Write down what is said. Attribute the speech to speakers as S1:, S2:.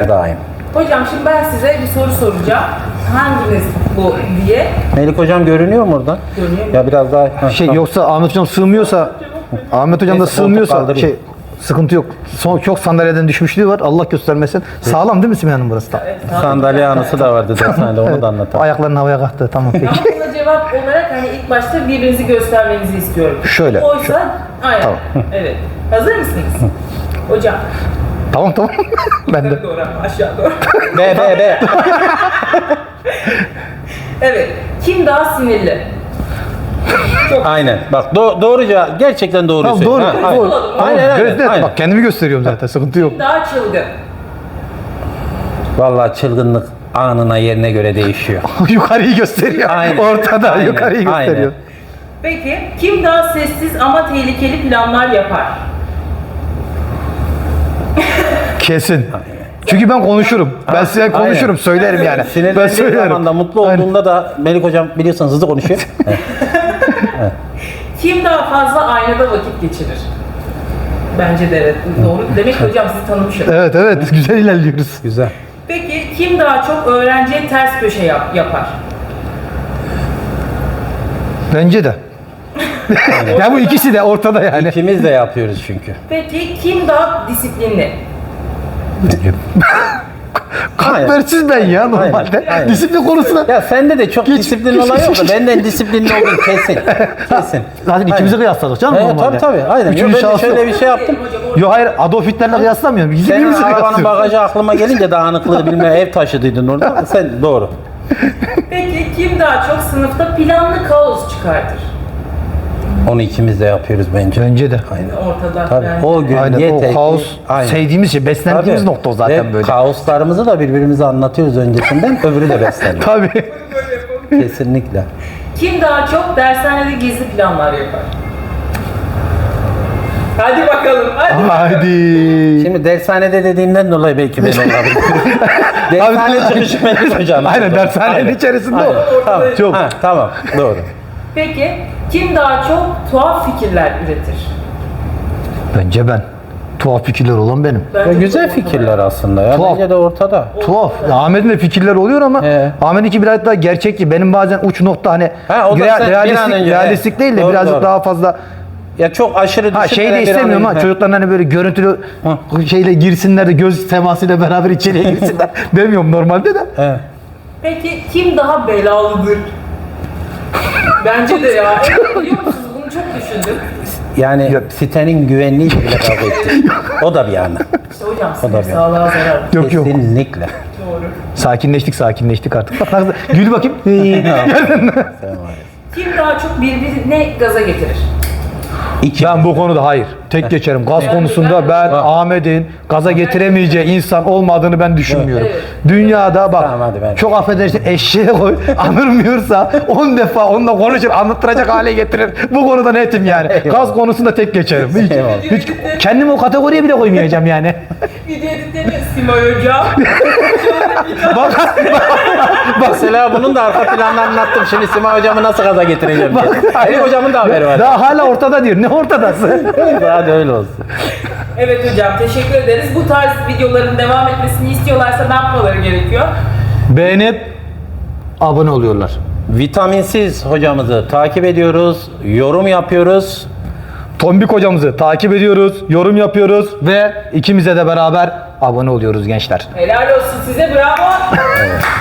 S1: Daim.
S2: Hocam şimdi ben size bir soru soracağım. Hanginiz bu diye.
S1: Melik hocam görünüyor mu oradan?
S2: Görünüyor mu?
S1: Ya biraz daha. Tamam.
S3: Yoksa Ahmet hocam sığmıyorsa, Ahmet hocam da
S1: Neyse,
S3: sığmıyorsa
S1: kaldırayım.
S3: sıkıntı yok. Çok sandalyeden düşmüşlüğü var. Allah göstermesin. Sağlam değil mi Simay Hanım burası da?
S1: Sandalye anısı da vardı dershanede, onu da anlatalım.
S3: Ayaklarını havaya kalktı. Tamam peki.
S2: Ama buna cevap olarak hani ilk başta birbirinizi göstermenizi istiyorum.
S3: Şöyle,
S2: Oysa, aynen.
S3: Tamam.
S2: Evet. Hazır mısınız? Hocam.
S3: Tamam. Ben de.
S2: Yukarı doğru ama aşağı doğru.
S1: B.
S2: Evet. Kim daha sinirli?
S1: Aynen. Bak doğruca gerçekten doğru
S3: Tamam,
S1: söylüyor.
S3: doğru.
S1: Ha, aynen.
S3: Doğru.
S1: Aynen.
S3: Gözde, bak kendimi gösteriyorum zaten. Sıkıntı yok.
S2: Kim daha çılgın?
S1: Vallahi çılgınlık anına yerine göre değişiyor.
S3: Yukarıyı gösteriyor.
S1: Aynen.
S3: Ortada
S1: Aynen.
S3: yukarıyı gösteriyor.
S2: Peki kim daha sessiz ama tehlikeli planlar yapar?
S3: Kesin. Çünkü ben konuşurum. Ben size konuşurum,
S1: Aynen.
S3: söylerim yani. Ben
S1: Sinirlendiği
S3: söylerim.
S1: zaman da mutlu
S3: Aynen.
S1: olduğunda da Melik hocam biliyorsunuz hızlı konuşuyor.
S2: Kim daha fazla aynada vakit geçirir? Bence de evet. Doğru. Demek ki hocam sizi tanımışım.
S3: Evet, güzel ilerliyoruz.
S1: Güzel.
S2: Peki kim daha çok öğrenciye ters köşe yapar?
S3: Bence de. Ya bu ikisi de ortada yani.
S1: İkimiz de yapıyoruz çünkü.
S2: Peki kim daha disiplinli?
S3: Kalpversiz ben ya normalde.
S1: Aynen.
S3: Disiplin konusunda.
S1: Ya sende de çok disiplin olay yok da benden disiplinli oldun kesin. Kesin.
S3: Zaten ikimizi kıyasladık canım
S1: Evet,
S3: normalde.
S1: tabii. Aynen.
S3: Üçüncü
S1: Ben de
S3: şahıs
S1: şöyle
S3: yok.
S1: bir şey yaptım.
S3: Yo hayır, Adolf Hitler'le kıyaslamıyorum. Bizim
S1: Senin
S3: birbirimizi
S1: arabanın
S3: kıyaslıyoruz.
S1: bagajı aklıma gelince dağınıklığı bilmem ev taşıdıydın orada. Sen doğru.
S2: Peki kim daha çok sınıfta planlı kaos çıkartır?
S1: Onu ikimiz de yapıyoruz bence.
S3: Bence de.
S1: Aynen.
S2: Ortada.
S1: Tabii.
S2: yani.
S1: O gün
S3: Aynen
S1: yeter
S3: o
S1: ki-
S3: kaos
S1: Aynen.
S3: sevdiğimiz şey, beslendiğimiz
S1: Tabii.
S3: nokta o zaten
S1: Ve
S3: böyle.
S1: kaoslarımızı da birbirimize anlatıyoruz öncesinden. Öbürü de besleniyor.
S3: Tabii.
S1: Kesinlikle.
S2: Kim daha çok dershanede gizli planlar yapar? Hadi bakalım. Hadi.
S3: Hadi.
S1: Şimdi dershanede dediğinden dolayı belki ben olabilir. Dershane çıkışı Melik hocam.
S3: Aynen, dershanenin içerisinde o.
S1: Tamam.
S3: Çok.
S1: Ha, tamam. Doğru.
S2: Peki kim daha çok tuhaf fikirler üretir?
S3: Bence ben. Tuhaf fikirler olan benim.
S2: Bence
S1: Ya güzel
S2: çok
S1: fikirler aslında ya.
S3: Tuhaf.
S1: Bence de ortada.
S3: Tuhaf. Ya Ahmet'in de fikirler oluyor ama
S1: He.
S3: Ahmet'inki biraz daha gerçekçi. Benim bazen uç nokta hani
S1: Ha, o da sen bir an önce,
S3: realistik
S1: he.
S3: değil de
S1: Doğru,
S3: birazcık
S1: doğru.
S3: daha fazla.
S1: Ya çok aşırı
S3: Ha şey
S1: düşünmeden
S3: de
S1: bir an
S3: istemiyorum ha,
S1: önce-
S3: çocukların hani böyle görüntülü şeyle girsinler de göz temasıyla beraber içeriye girsinler demiyorum normalde de.
S1: He.
S2: Peki kim daha belalıdır? Bence de ya. Evet, biliyor musunuz? Bunu çok düşündüm.
S1: Yani sitenin güvenliği bile kavga etti. O da bir yana.
S2: İşte hocam
S1: O da
S2: sinir
S1: bir-
S2: sağlığa zarar.
S3: Yok yok.
S1: Kesinlikle.
S2: Doğru.
S3: Sakinleştik artık. Bak nasıl gül bakayım.
S2: Kim daha çok birbirine gaza getirir?
S1: İki.
S3: Ben bu konuda hayır. Tek geçerim. Gaz konusunda ben Ahmet'in gaza getiremeyeceği insan olmadığını ben düşünmüyorum.
S2: Evet.
S3: Dünyada bak
S1: Tamam, hadi ben-
S3: çok affedersin eşeğe koy anırmıyorsa 10 defa onunla konuşur anlattıracak hale getirir. Bu konuda netim yani. Gaz konusunda tek geçerim.
S1: Eyvallah.
S3: Hiç kendimi o kategoriye bile koymayacağım yani.
S2: Video editleniyor Simay hocam.
S1: Mesela bunun da arka planını anlattım. Şimdi Sima hocamı nasıl gaza getireceğim diye. Melik hocamın da haberi var.
S3: Daha hala ortada diyor. Ne ortadası?
S1: Hadi öyle olsun.
S2: Evet hocam teşekkür ederiz. Bu tarz videoların devam etmesini istiyorlarsa ne yapmaları gerekiyor?
S3: Beğenip abone oluyorlar.
S1: Vitaminsiz hocamızı takip ediyoruz, yorum yapıyoruz.
S3: Tombik hocamızı takip ediyoruz, yorum yapıyoruz ve ikimize de beraber abone oluyoruz gençler.
S2: Helal olsun size bravo.